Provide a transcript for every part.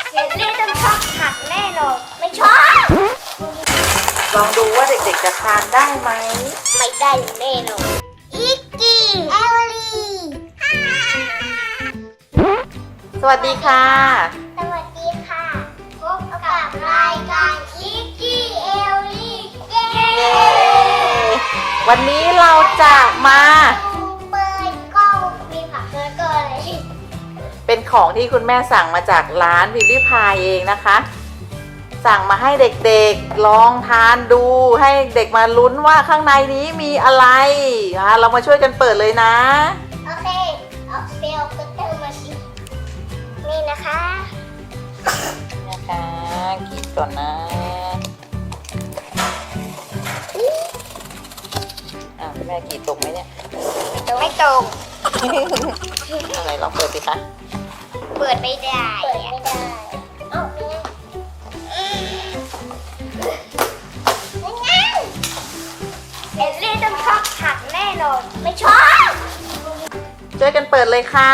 เด็กเล่นต้องชอบผักแน่นอนไม่ชอบลองดูว่าเด็กๆจะทานได้ไหมไม่ได้แน่นอนอีกกี้เอลลี่สวัสดีค่ะสวัสดีค่ะพบกับรายการอีกกี้เอลลี่เย้เย้ วันนี้เราจะมาเปิดกล้องมีผักแล้วก็อะไรเป็นของที่คุณแม่สั่งมาจากร้านวิลลี่พายเองนะคะ สั่งมาให้เด็กๆลองทานดูให้เด็กมาลุ้นว่าข้างในนี้มีอะไรเรามาช่วยกันเปิดเลยนะโอเคเอาเซลล์ก็เติมมาสินี่นะคะนะคะกินก่อนนะแม่กรีดตรงไหมเนี่ยไม่ตรงอะไรลองเปิดสิคะเปิดไม่ได้เปิดไม่ได้เอ้านี่ไงเด็กเล่นต้องชอบผักแน่นอนไม่ชอบช่วยกันเปิดเลยค่ะ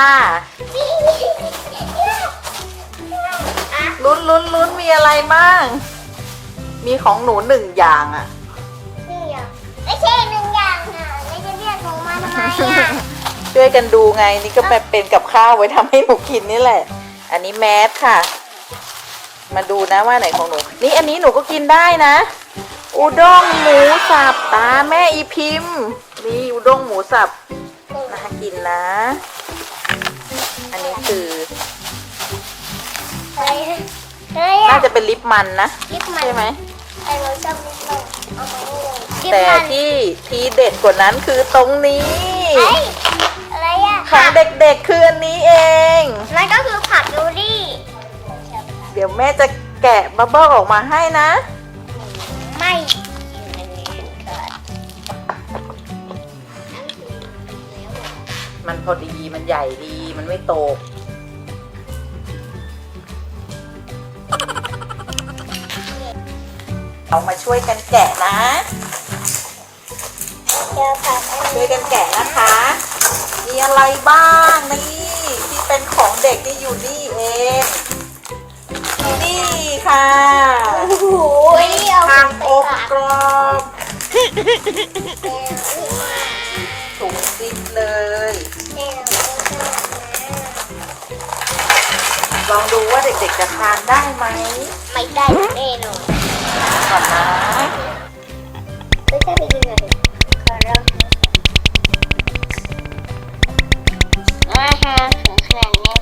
ลุ้นมีอะไรบ้าง มีของหนู1 อย่างอ่ะหนึ่งอย่างไม่ใช่หนึ่งอย่างค่ะไม่จะเรียกหนูมาทำไมอ่ะช่วยกันดูไงนี่ก็เป็นกับข้าวไว้ทำให้หนูกินนี่แหละ อันนี้แมสค่ะ มาดูนะว่าไหนของหนูนี่อันนี้หนูก็กินได้นะ อุด้งหมูสับตาแม่อีพิมพ์นี่อุด้งหมูสับน่ากินนะ อันนี้คืออะไรอะไรน่าอ่ะจะเป็นลิปมันนะลิปมันใช่ไหมไอ้เราชอบลิปมันเอามาให้เลยลิปแต่มันที่ทีเด็ดกว่านั้นคือตรงนี้เอ้ยอะไรอ่ะของเด็กๆคืออันนี้เองนั่นก็คือผักดูรี่เดี๋ยวแม่จะแกะบับเบิ้ลออกมาให้นะไม่มันพอดีมันใหญ่ดีมันไม่โตกเรามาช่วยกันแกะนะเจอผักอันช่วนี้ยกันแกะนะคะ มีอะไรบ้างนี่ที่เป็นของเด็กที่อยู่นี่เองนี่ค่ะโอ้โหนี่เอาทางอบกรอบถุงซิปเลย ลองดูว่าเด็กๆจะทานได้ไหมไม่ได้แน่นอนก่อนนะไม่ใช่ไปกินหน่อยขอร้องฮะของขนาดนี้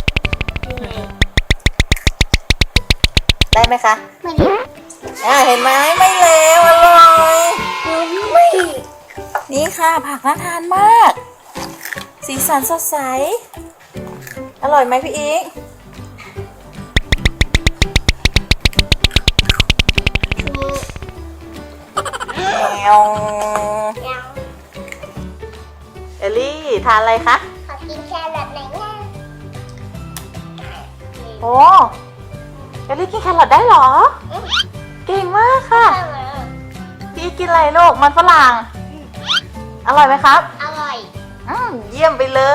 ได้ไหมคะไม่ได้เห็นไหมไม่เลวอร่อยไม่นี่ค่ะผักน่าทานมาก สีสันสดใส อร่อยไหมพี่อีกแมวยังเอลลี่ทานอะไรคะขอกินแครอทหน่อยนะโอ้เอลลี่กินแครอทได้เหรอ เก่งมากค่ะ พี่อีกกินอะไรลูกมันฝรั่ง อร่อยไหมครับอร่อยเยี่ยมไปเลย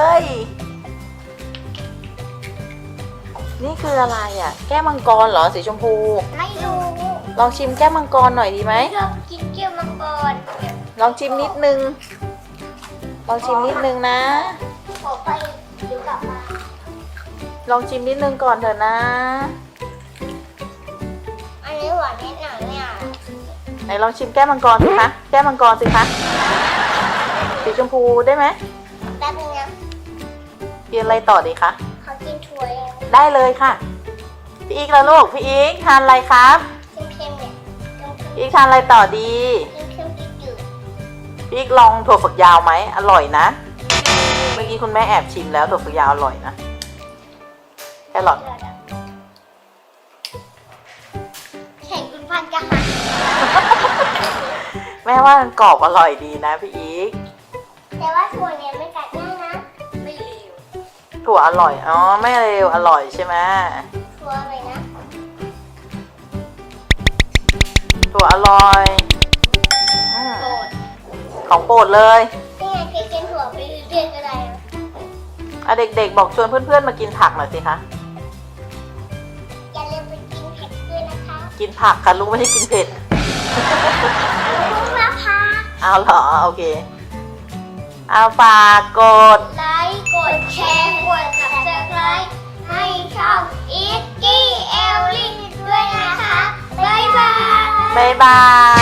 นี่คืออะไรอ่ะ แก้วมังกรเหรอสีชมพูไม่รู้ลองชิมแก้วมังกรหน่อยดีไหมชอบกินเกี๊ยวมังกรลองชิมนิดนึง ลองชิมนิดนึงนะขอไปเดี๋ยวกลับมาลองชิมนิดนึงก่อนเถอะนะอันนี้หวานนิดหน่อยเนี่ยไหนลองชิมแก้วมังกรสิคะ แก้วมังกรสิคะ สีชมพูได้ไหมแป๊บนึงนะกินอะไรต่อดีคะขอกินถั่วเองได้เลยค่ะ พี่อีกแล้วลูก พี่อีกทานอะไรครับเค็มๆเนี่ยพี่อีกทานอะไรต่อดีเค็มๆจืดพี่อีกลองถั่วฝักยาวไหม อร่อยนะ เมื่อกี้คุณแม่แอบชิมแล้วถั่วฝักยาวอร่อยนะ แครอทแข่งคุณพันจะหักแม่ว่ามันกรอบอร่อยดีนะพี่อีกแต่ว่าถั่วเนี่ยไม่กัดง่ายนะ ไม่เลวถั่วอร่อย อ๋อ ไม่เร็วอร่อยใช่ไหมถั่วอะไรนะถั่วอร่อยอืมโกรธของโปรดเลยนี่ไงเคยกินถั่วไปเรื่อยๆก็ได้นะเด็กๆบอกชวนเพื่อนๆมากินผักหน่อยสิคะกินผักค่ะลูกไม่ได้กินเผ็ดลูกละพักเอาเหรอโอเคเอาฝากกดไลค์กดแชร์กด subscribe ให้ช่องอีกกี้เอลลี่ด้วยนะคะบ๊ายบายบ๊ายบาย